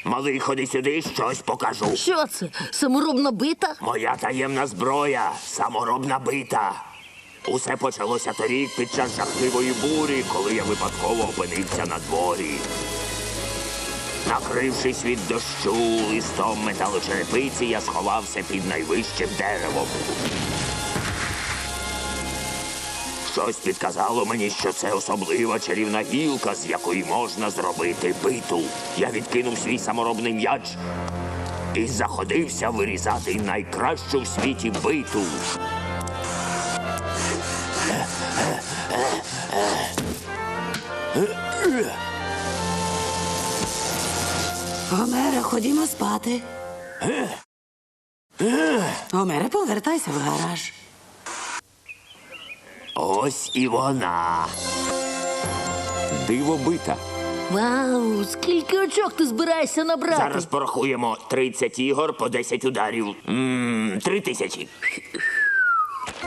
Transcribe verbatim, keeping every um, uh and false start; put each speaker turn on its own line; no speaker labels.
Малий, ходи сюди, щось покажу.
Що це? Саморобна бита?
Моя таємна зброя – саморобна бита. Усе почалося торік під час жахливої бурі, коли я випадково опинився на дворі. Накрившись від дощу листом металочерепиці, я сховався під найвищим деревом. Щось підказало мені, що це особлива чарівна гілка, з якої можна зробити биту. Я відкинув свій саморобний м'яч і заходився вирізати найкращу в світі биту.
Гомере, ходімо спати. Гомере, повертайся в гараж.
Ось і вона.
Дивобита.
Вау, скільки очок ти збираєшся набрати?
Зараз порахуємо тридцять ігор по десять ударів. Ммм, три тисячі.